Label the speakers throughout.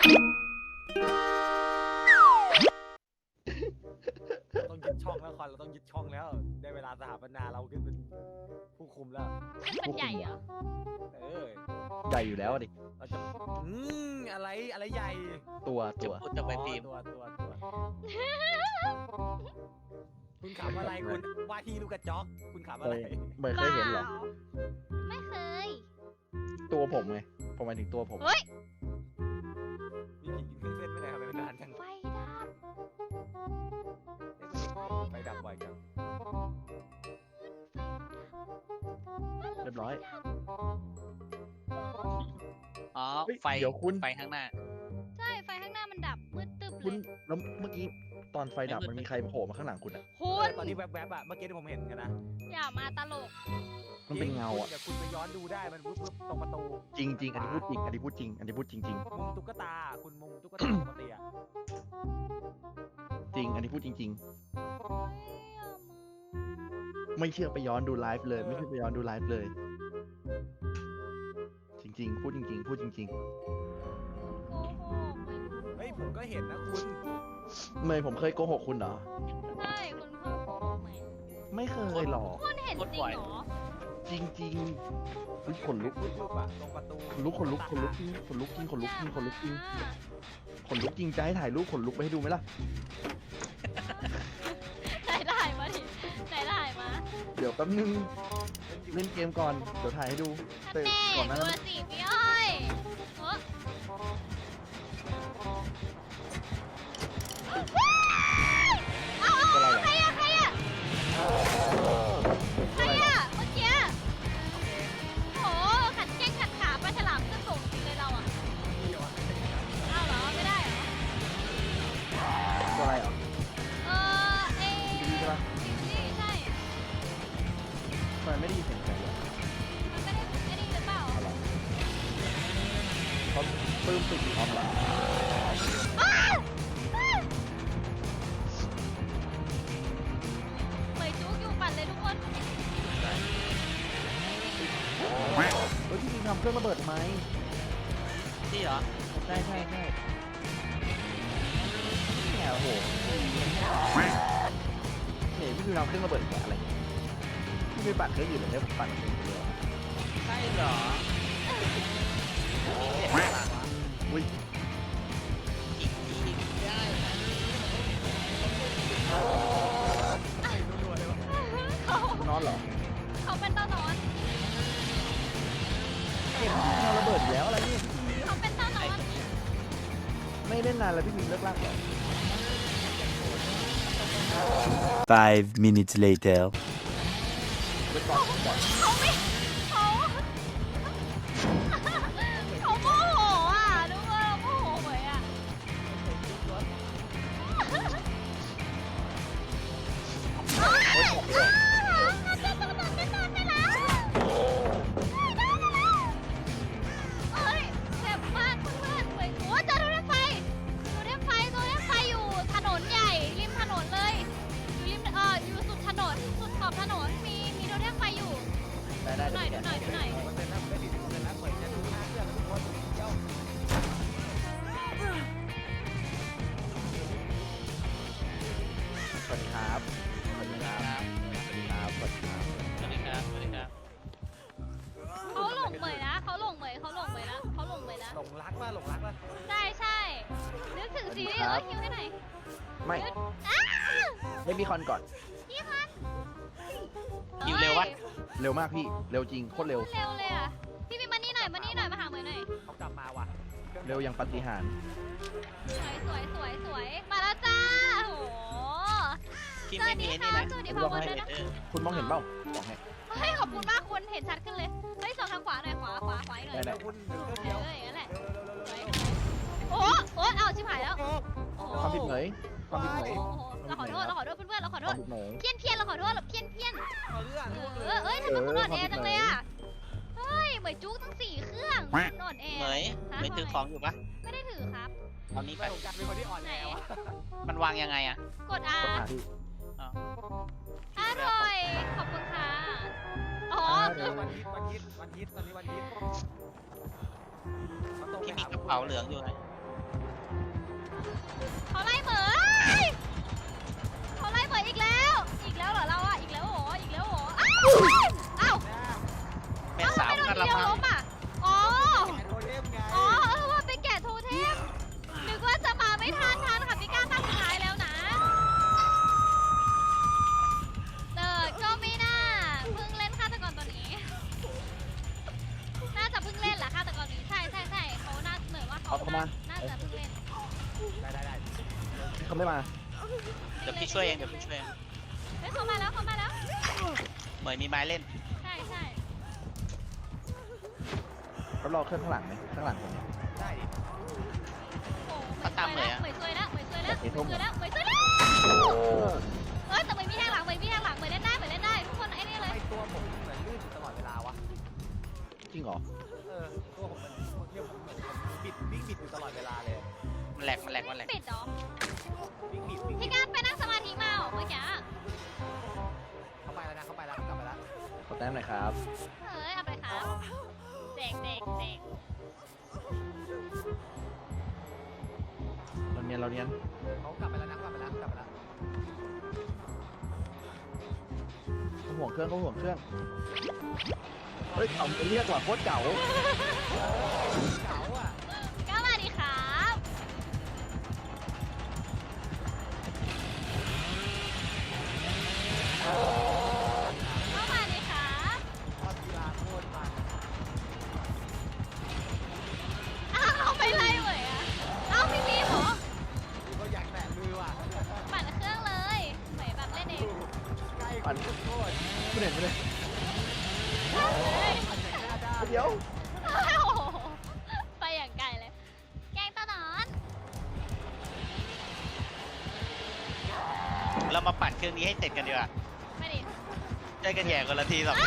Speaker 1: ต้องยึดช่องแล้วคอนเราต้องยึดช่องแล้วได้เวลาสถาปนาเราขึ้นเป็นผู้คุมแล้ว
Speaker 2: มันใหญ่เหรอ
Speaker 3: ใหญ่อยู่แล้วดิ
Speaker 1: เราจะอะไรใหญ่
Speaker 3: ตัว
Speaker 4: พูดจะไปพิมพ์
Speaker 1: ตัวคุณขำอะไรคุณว่าที่ลูกกระจอกคุณขำอะไร
Speaker 3: ไม่เคยเห็นหรอ
Speaker 2: ไม่เคย
Speaker 3: ตัวผมไงผมหมายถึงตัวผม
Speaker 2: เฮ้ย
Speaker 1: มีผีกินเครื่องเส้นไม่ได้ทำไมมันนานจัง
Speaker 2: ไฟดับ
Speaker 1: ไฟดับบ่อยจัง
Speaker 3: เรียบร้อย
Speaker 4: อ๋อ
Speaker 3: เฮ้ย
Speaker 4: ไฟ
Speaker 3: เดี๋ยวคุณ
Speaker 4: ไฟข้างหน้า
Speaker 2: ใช่ไฟข้างหน้ามันดับมืดตึ๊บเล
Speaker 3: คุณ
Speaker 2: ย
Speaker 3: แล้วเมื่อกี้ตอนไฟดับมันมีใครโผล่มาข้างหลังคุณอ่ะ
Speaker 2: คุณ
Speaker 1: ตอนนี้แวบๆอ่ะเมื่อกี้ที่ผมเห็นกันนะ
Speaker 2: อย่ามาตลก
Speaker 3: มันเป็นเงาอ่ะ
Speaker 1: เดี๋ยวคุณไปย้อนดูได้มันปุ๊บตรงประตู
Speaker 3: จริงจริงอันนี้พูดจริงอันนี้พูดจริงอันนี้พูดจริงจริง
Speaker 1: มุมตุ๊กตาคุณมุมตุ๊กตาปกติอ่ะ
Speaker 3: จริงอันนี้พูดจริง
Speaker 2: อย่ามา
Speaker 3: ๆ ไม่เชื่อไปย้อนดูไลฟ์เลย ไม่เชื่อไปย้อนดูไลฟ์เลย จริงๆ พูดจริงๆ พูดจริง
Speaker 2: โกหก
Speaker 1: เฮ้ยผมก็เห็นนะคุณ
Speaker 3: ๆเมย์ผมเคยโกหกคุณเหรอ
Speaker 2: ใช่คุณพ่อโกหกไหม
Speaker 3: ไม่เคยหรอก
Speaker 2: คุณเห็นจริงเหรอ
Speaker 3: จริงๆอุ๊ยขนลุก
Speaker 1: รูปอะตรงประตู
Speaker 3: ขนลุกขนลุกขนลุกจริงขนลุกจริงขนลุกจริงขนลุกจริงขนลุกจริงจะให้ถ่ายรูปขนลุกไปให้ดูไหมล่ะ
Speaker 2: ไหนถ่ายมาดิไหนถ่ายมา
Speaker 3: เดี๋ยวแป๊บนึงเล่นเกมก่อนเดี๋ยวถ่ายให้ดู
Speaker 2: ท่าน
Speaker 3: แต่
Speaker 2: แน่
Speaker 3: ก่อนหนั้า
Speaker 2: ดู
Speaker 3: นั้น
Speaker 2: สิพี่อ้อยเออเอา
Speaker 3: อะไร
Speaker 2: ใคร
Speaker 3: อ่ะ
Speaker 2: อะใครอะใครอะเมื่อกี้โหขัดแข้งขัดขาปลาฉลามขึ้นสูงจริงเลยเราอะเอาเหรอไม่ได้เหรอ
Speaker 3: ตัวอะไรอ่ะ
Speaker 2: เออเอ
Speaker 3: ดีใช่ปะ
Speaker 2: นี่ใช่
Speaker 3: ทำไมไม่ได้ยินเสียงใครเลย
Speaker 2: มันไม่ได้หรือเปล่า
Speaker 3: อะไรเขาปลื้มปิดออฟเหรอ
Speaker 2: อ้าวเหมยจุกอยู่ปั่นเลยทุกคน
Speaker 3: เฮ้ยพี่ยิงทำเครื่องระเบิดทำไม
Speaker 4: ที่เหรอ
Speaker 3: ใช่แหมโอ้โหเนี่ยพี่ยิงทำเครื่องระเบิดแกะอะไรเนี่ยพี่ไม่ปั่นเครื่องอื่นเลยเนี่ยผมปั่นเครื่องเดียว
Speaker 4: ใช่เหรอ
Speaker 3: อุ้ย
Speaker 4: อีกได้นะ
Speaker 1: รัวๆเลยวะ
Speaker 2: เขา
Speaker 3: นอนเหรอ
Speaker 2: เขาเป็นเต้านอน
Speaker 3: เก็บพี่ทำระเบิดอีกแล้วอะไรเนี่ย
Speaker 2: เขาเป็นเต้านอน
Speaker 3: ไม่เล่นนานแล้วพี่ยิงเลิกลากเหรอ
Speaker 5: 5 minutes later.
Speaker 3: ไปก่อนก่อน
Speaker 2: เขาไม่เขาเขาโมโหอ่ะนึกว่าเราโมโหเหมยอ่ะไม่นอนได้แล้วเอ้ยเจ็บมากเพื่อนๆเหมือนโอ้เจอรถไฟอยู่ถนนใหญ่ริมถนนเลยอยู่ริมอยู่สุดถนนสุดขอบถนนมีรถไฟอยู่
Speaker 3: ได้
Speaker 2: ดูหน่อย
Speaker 3: เดี๋ยว
Speaker 2: ดูหน่อย
Speaker 1: มันเป็นนะไม่ดีมันเป็นนะเหมือนจะดูหน้าเครื่องทุกคนเดี๋ยว
Speaker 3: สวัสดีครับสวัสดีครับสวัสดีครับสวัสดีครับ
Speaker 4: สวัสดีครับ สวัสดีครับ
Speaker 2: เขาหลงเหมยนะเขาหลงเหมยแล้ว
Speaker 1: หลงรักป่ะหลงรักป่ะ
Speaker 2: ใช่นึกถึงซีรีส์คิวให้หน่อย
Speaker 3: ไม่
Speaker 2: อ้า
Speaker 3: เล่นบีคอนก่อน
Speaker 2: พี่พัน
Speaker 4: คิวเร็ววะ
Speaker 3: เร็วมากพี่ เร็วจริง โคตรเร็ว
Speaker 2: เร็วเลยอ่ะพี่มีมานี่หน่อยมาหาเหมยหน่อย
Speaker 1: เขากลับมาว่ะ
Speaker 3: เร็วยังปาฏิหาริย์
Speaker 2: สวยมาแล้วจ้าโอ้โห
Speaker 4: ที่
Speaker 2: ส
Speaker 4: ไม่
Speaker 2: วัส
Speaker 4: มี
Speaker 2: ดี
Speaker 4: นี่
Speaker 2: ค่ะ
Speaker 4: นะ
Speaker 2: สวัสดีพ่อมดด้วยนะ
Speaker 3: คุณมองเห็นเปล่าบอกให้
Speaker 2: เฮ้ยขอบคุณมากคุณเห็นชัดขึ้นเลยเฮ้ยส่องทางขวาหน่อยขวาอีกหน่อย
Speaker 3: ได้
Speaker 1: คุณเดี๋ยว
Speaker 2: อย่างนั้นแหละโอ้เอาชิบหายแล้วโอ้โห
Speaker 3: ความผิดเหมยความผิดเหมย
Speaker 2: เราขอโทษเพื่อนเราขอ
Speaker 3: ค
Speaker 2: โท
Speaker 3: วาม
Speaker 2: ษ
Speaker 3: ผิดเหมย
Speaker 2: เพี้ยนเราขอโทษเพี้ยน
Speaker 1: เอาเรื่อง
Speaker 2: เอ้ยทำไมคุณอ่อนแอจังเลยอ่ะ เฮ้ยเหมยจุกตั้ง4 เครื่องคุณอ่อนแอ
Speaker 4: เหมยเหมยถือของอยู่ปะ
Speaker 2: ไม่ได้ถือครับ
Speaker 4: เอานี้ไป
Speaker 1: ไม่ผมกันเป็นคนที่อ่อนแอวะ
Speaker 4: มันวางยังไงอะ
Speaker 2: กด R
Speaker 3: กดหาที่
Speaker 2: อร่อย ขอบคุณค่ะ อ๋อคือ
Speaker 1: วันฮิตตอนนี้วันฮิต
Speaker 4: ที่มีกระเป๋าเหลืองอยู่ไง
Speaker 2: วล้มอ่ะอ๋อ
Speaker 1: แอนโทเทมไง
Speaker 2: อ๋อว่าเป็นแกะโทเทมนึกว่าจะมาไม่ทันค่ะพี่ก้าตั้งสุดท้ายแล้วนะก็ไม่น่าเพิ่งเล่นฆาตกรตัวนี้น่าจะเพิ่งเล่นแหละฆาตกรนี้ใช่เขาน่าเหมือนว่าเขาน่าจะเพิ่งเล่น
Speaker 1: ได้
Speaker 3: เขาไม่มา
Speaker 4: เดี๋ยวพี่ช่วยเองเดี๋ยวพี่ช่วยเอง
Speaker 2: เฮ้ยเขามาแล้ว
Speaker 4: เหมยมีไม้เล่น
Speaker 2: ใช่
Speaker 3: เขารอเครื่องข้างหลังไหมข้างหลังผมเนี่ย
Speaker 1: ได้ดิ
Speaker 2: โอ้เหมยซวยแล้วเอ้ยแต่เหมยมีแทงหลังเหมยเล่นได้ทุกคนไอ้นี่เลย
Speaker 1: ไอตัวผมเหมือนลื่นอยู่ตลอดเวลาวะ
Speaker 3: จริงเหรอ
Speaker 1: ตัวผมมันเรียกผมเหมือนบิดวิ่งบิดอยู่ตลอดเวลาเลย
Speaker 4: มันแหลก
Speaker 2: ปิดเหรอ
Speaker 1: วิ่งบิด
Speaker 2: พี่ก้าไปนั่งสมาธิมาเหรอเมื่อกี้
Speaker 1: เข้าไปแล้วนะเข้าไปแล้วกลับไปแล้ว
Speaker 3: ขอแต้มหน่อยครับ
Speaker 2: เฮ้ยเอาไปครับเด็ก
Speaker 3: เราเนียน
Speaker 1: เขากลับไปแล้วนะกลับไปแล้ว
Speaker 3: เขาห่วงเครื่องเฮ้ยเอาเรียกว่าโคตรเก๋า
Speaker 1: เก๋าอ่ะ
Speaker 2: ก็มาดิครับก็มาดิครับ
Speaker 1: พอกีฬาโคตรมัน
Speaker 2: เอาไปเลยเหมยอะเอาพี่บีมเหรอ
Speaker 1: ก็อยากแตะมือว่ะ
Speaker 2: ปั่นเครื่องเลยเหมยแบบเล่นเอง
Speaker 1: ใกล้โคตร
Speaker 3: ไม่เห็นเลย
Speaker 2: เฮ้ย
Speaker 3: เดี๋ยว
Speaker 2: โอ้โหไปอย่างไกลเลย แกงตะหนอน
Speaker 4: เรามาปั่นเครื่องนี้ให้เสร็จกันดีกว่า
Speaker 2: ไม่ดิ
Speaker 4: ได้กันแย่คนละที2 ที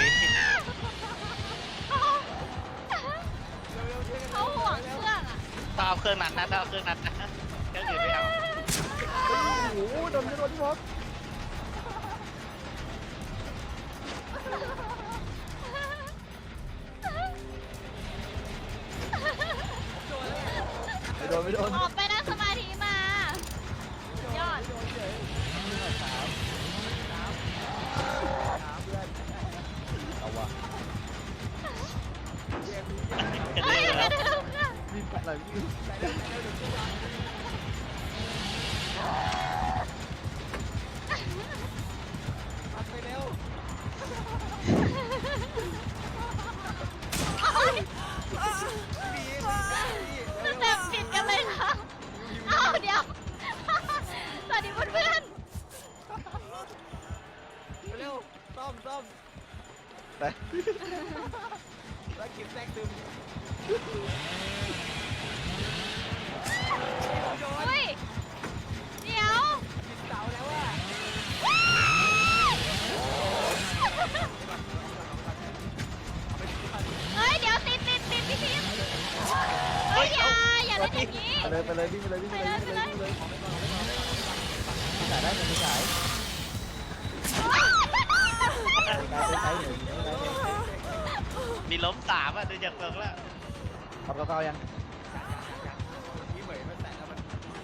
Speaker 2: เขาห่วงเครื่องอ่ะ
Speaker 4: ต้องเอาเครื่องนั้นนะต้องเอาเครื่องนั้นนะเครื่องอื่นไม่เอา
Speaker 3: โอ้โหโดนที่บล็อก ไม่โดน
Speaker 2: ออกไปนั่งสมาธิมา ยอด
Speaker 3: เอาวะ
Speaker 4: กัน
Speaker 2: เฮ้ย
Speaker 4: เลย
Speaker 2: เดี๋ยว
Speaker 4: แล้ว
Speaker 2: เดี๋ยวเดี๋ยว
Speaker 3: วิ่งไปไหนวิ่ง
Speaker 1: ไปเร็ว
Speaker 2: โอ๊ยสเต็ปผิดกันเลยเหรอเอ้าเดี๋ยว สวัสดีเพื่อน
Speaker 1: เร็วซ่อม
Speaker 3: ไป
Speaker 1: แล้วกินแทรกซึม
Speaker 2: ๆอุ้ย เดี๋ยว
Speaker 1: กินเสาแล้วอ่ะ
Speaker 2: เฮ้ย เดี๋ยวติดพี่พิมเฮ้ยอย่าเล่นอย่างนี้
Speaker 3: ไปเลยวิ่งไปเลยจ่ายได้ไหมไม่จ่ายไปใช้หนึ่ง
Speaker 4: มีล้ม3อ่ะดูจากเฟิร์กแล้ว
Speaker 3: ขับเก้ายัง
Speaker 1: พี่เหมยมันแตะแล้วมัน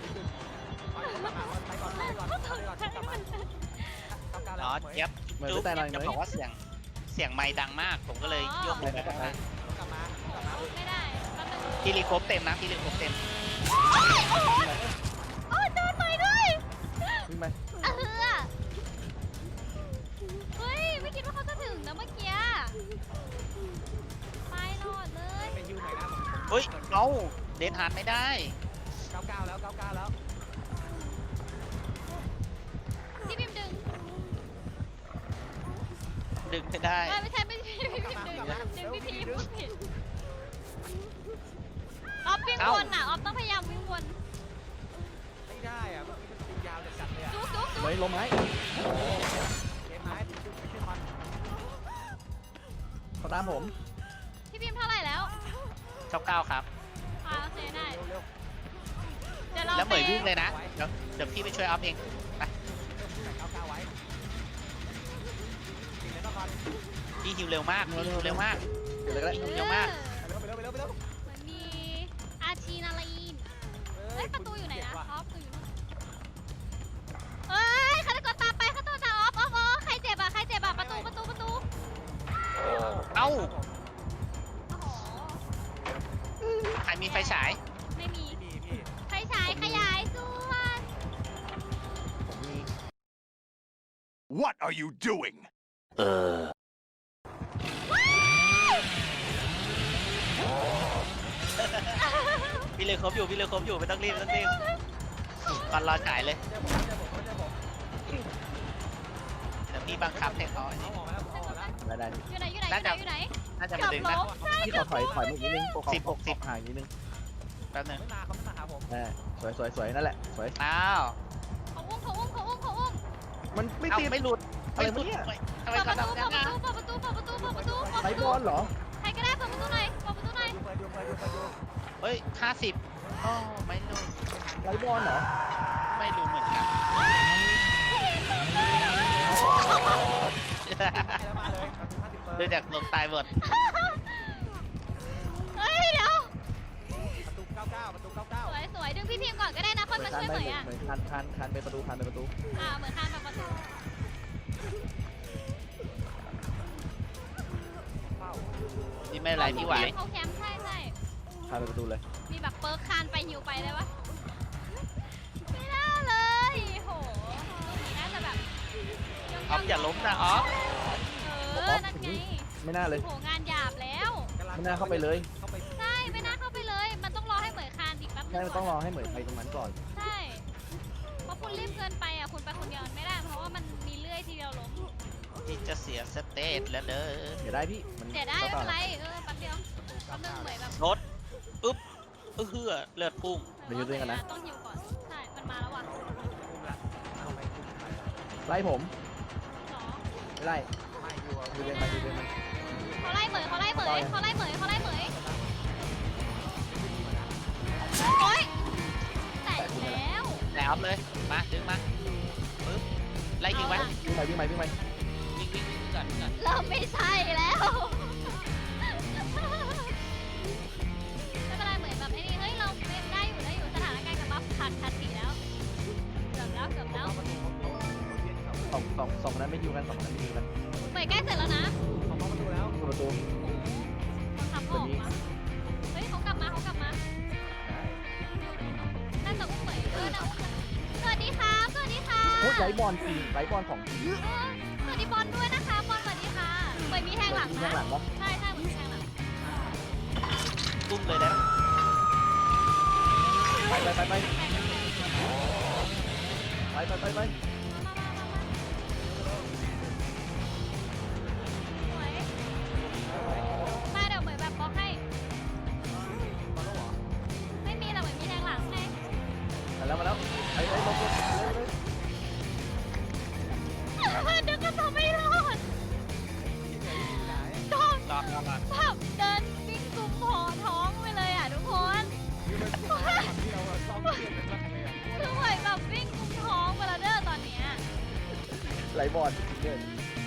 Speaker 1: ไปก่อนกลับมา
Speaker 4: อ๋อเจี๊ยบจุ๊บจะบอกว่าเสียงไม้ดังมากผมก็เลยยกไปข้างล่าง
Speaker 1: กลับมา
Speaker 2: ไม่ได้แป๊บนึง
Speaker 4: พี่รีโคบเต็มนะพี่รีโคบเต็ม
Speaker 2: โอ้ยโดนต่อยด้วย
Speaker 3: วิ่งไป
Speaker 2: เฮ้ย ไม่คิดว่าเขาจะถึงนะเมื่อกี้ไปหลอดเลย
Speaker 1: ไปฮิวไหนนะ
Speaker 4: เฮ้ยเอาเดนฮาร์ดไม่ได้
Speaker 1: 99แล้ว
Speaker 2: พี่พิมดึง
Speaker 4: ดึงไม่ได้
Speaker 2: ไม่ใช่พี่พิมดึงพี่พิมพูดผิดออฟวิ่งวนอ่ะออฟต้องพยายามวิ่งวน
Speaker 1: ไม่ได้อ่ะมันเป็นยาวจัดเลยอ่ะ
Speaker 2: จุ๊บ
Speaker 3: เลยลมไหม
Speaker 1: เกมไม้ไม่ใช่มัน
Speaker 3: เขาตามผม
Speaker 2: พี่พิมเท่าไหร่แล้ว
Speaker 4: 99ครับ
Speaker 2: โอเคได้
Speaker 1: เร็ว
Speaker 2: เดี๋ยวเรา
Speaker 4: แล้วเหมยวิ่งเลยนะเดี๋ยวพี่ไปช่วยอัพเองไป
Speaker 1: 99ไว้กินเลยก่อน
Speaker 4: พี่ฮิวเร็วมากพี่ฮิวเร็วมาก
Speaker 3: เดี๋ยวเลยก็ได้
Speaker 4: เร็วมาก
Speaker 1: ไปเร็ว
Speaker 2: เหมือนมีอาชีนาลีนเฮ้ยประตูอยู่ไหนนะออฟประตูอยู่นู่นเฮ้ยฆาตกรตามไปฆาตกรตามออฟใครเจ็บอ่ะประตู
Speaker 4: เอ้า
Speaker 2: โอ้โห
Speaker 4: ไฟฉาย
Speaker 2: ไม่มี
Speaker 1: นี่พี่
Speaker 2: ไฟฉายขยายส่วน
Speaker 3: ผมมี
Speaker 5: What are you doing?
Speaker 4: พี่เลยครบอยู่ไม่ต้องรีบก่อนรอฉายเลย
Speaker 1: เจอผมเจอผมเจอผม
Speaker 4: เดี๋ยวพี่บังคับให้เขาอัน
Speaker 1: เอา
Speaker 4: นี้
Speaker 1: ออกมาแล้วเอาออกแล้ว
Speaker 3: ได้
Speaker 2: อยู่ไหนอยู่ไหนอยู่ไหน
Speaker 4: น่าจะ
Speaker 2: เกื
Speaker 4: มา
Speaker 2: อบ
Speaker 4: ดึง
Speaker 2: ล้
Speaker 4: นะ
Speaker 2: มใช่
Speaker 3: พี่ขอถอยมาอีกนิดนึง
Speaker 4: 60
Speaker 3: ห่างอีกนิดนึง
Speaker 4: แป๊บนึง
Speaker 1: เขาไม่มาหาผม
Speaker 3: สวยนั่นแหละสวย
Speaker 4: อ้าว
Speaker 2: เขาอุ้ม
Speaker 3: มันไม่
Speaker 4: เอ้า
Speaker 3: ติด
Speaker 4: ไม่หลุด
Speaker 3: อะไรวะเนี่ย
Speaker 4: ทำไม
Speaker 2: เปิดป
Speaker 4: เขา
Speaker 2: ระตู
Speaker 4: ทำอย่างนั้นนะ
Speaker 2: เปิดประตูเปิดประตูเปิดประตูเปิดประตู
Speaker 3: ไบบอลเหรอ
Speaker 2: ใครก็ได้เปิดประตูหน่อยเปิดประตูหน่อย
Speaker 1: ดูไปดู
Speaker 4: เฮ้ย50อ๋อไม่รู้
Speaker 3: ไบบอลเหรอ
Speaker 4: ไม่รู้เหมือนกัน
Speaker 1: แล้วมาเลย50
Speaker 4: ดูจากลงตายหมด
Speaker 2: เฮ้ยเดี๋ยว
Speaker 1: ประตู99ประตู99
Speaker 2: สวยดึงพี่พิมพ์ก่อนก็ได้นะค่อยมาช่วยเหมยอ่ะ
Speaker 3: เหมือนคันไปประตู
Speaker 2: เหมือนคานแบบประตู
Speaker 4: นี่ไม่เป็นไรพี่ไหว
Speaker 2: เขาแคมป์ใช่
Speaker 3: คันไปประตูเลย
Speaker 2: มีแบบเปิร์คคานไปหิวไปเลยวะไม่น่าเลยโหตรงนี้น่าจะแบบ
Speaker 4: ออฟอย่าล้มนะออฟ
Speaker 2: นั่นไง
Speaker 3: ไม่น่าเลย
Speaker 2: โหงานหยาบแล้ว
Speaker 3: ไม่น่าเข้าไปเลย
Speaker 1: เข้าไป
Speaker 2: ใช่ไม่น่าเข้าไปเลย มันต้องรอให้เหมยคานอีกแป๊บนึ
Speaker 3: ใช่
Speaker 2: ง
Speaker 3: ต้องรอให้เหมยไปตรงนั้นก่อน
Speaker 2: ใช่เพราะคุณรีบเกินไปอ่ะคุณไปคนเดียวมันไม่ได้เพราะว่ามันมีเลื่อยทีเดียวล้ม
Speaker 4: ที่จะเสียสเตตแล้วเด้อ
Speaker 3: เดี๋ยวได้พี่มัน
Speaker 2: เดี๋ยวได้ไม่เป็นไรแป๊บเดียวแป๊บนึงเหมยแบบ
Speaker 4: รถอึ๊บเฮือเลือดพุ่ง
Speaker 3: เดี๋ยวอยู่ด้วยกันนะ
Speaker 2: ต้องหิวก่อนใช่มันมาแล้วว่ะ
Speaker 1: คุมละเอาไปคุมไป
Speaker 3: ไล่ผม
Speaker 2: สอง
Speaker 3: ไม่ไล่
Speaker 1: ไม่อยู่
Speaker 3: ดูเดินมา
Speaker 2: เขาไล่เหมยเขาไล่เหมยเขาไล่เหมยเขาไล่เหมยโอ๊ยแตกแล้ว
Speaker 4: แต่ออฟเลยมาดึงมาปึ๊บไล่ยิงไว้
Speaker 3: วิ่งไป
Speaker 4: วิ่งก่อน
Speaker 2: เริ่มไม่ใช่แล้วไม่เป็นไรเหมือนแบบไอ้นี่เฮ้ยเราได้อยู่สถานการณ์กับบัฟขาดสีแล้วเกือบแล้ว
Speaker 3: สองนั้นไม่ยิงกัน2นั้นไม่ยิงกัน
Speaker 2: เหมยใกล้เสร็จแล้วนะ
Speaker 1: เขาเข้าประตูแล้ว
Speaker 3: ประตู
Speaker 2: บังคับเขาออกมาเฮ้ยเขากลับมาน่าจะอุ้มเหมยนะสวัสดีค่ะสวัสดีค่ะ
Speaker 3: โอ้ยไบบอลจริงไบบอลของจริง
Speaker 2: สวัสดีบอลด้วยนะคะบอลสวัสดีค่ะเหมยมีแทงหลัง
Speaker 3: ข้า
Speaker 2: นะ
Speaker 3: งหลังวะ
Speaker 2: ใช่เหมือนมีแทงหลัง
Speaker 4: ตุ้มเลยนะ
Speaker 3: ไป
Speaker 2: สวยมาเดี๋ยวเหมยแบบบล็อกให้
Speaker 1: มาแล้วเหรอ
Speaker 2: ไม่มีแต่เหมยมีแทงหลังไง
Speaker 3: มาแล้วไอ้ลงเลย
Speaker 2: นึกว่าจะไม่รอด
Speaker 1: ที่ไหนที่ไหน
Speaker 2: ต้อง
Speaker 4: รอ
Speaker 2: แบบเดินวิ่งกุมหอท้องไปเลยอ่ะทุกคน
Speaker 1: คือเป็นที่เราซ้อมเทียนกันมาเลยอ่ะ
Speaker 2: คือเหมยแบบวิ่งกุมท้องไปแล้วเด้อตอนเนี้ย
Speaker 3: ไหลบอลจริงเลย
Speaker 2: ใ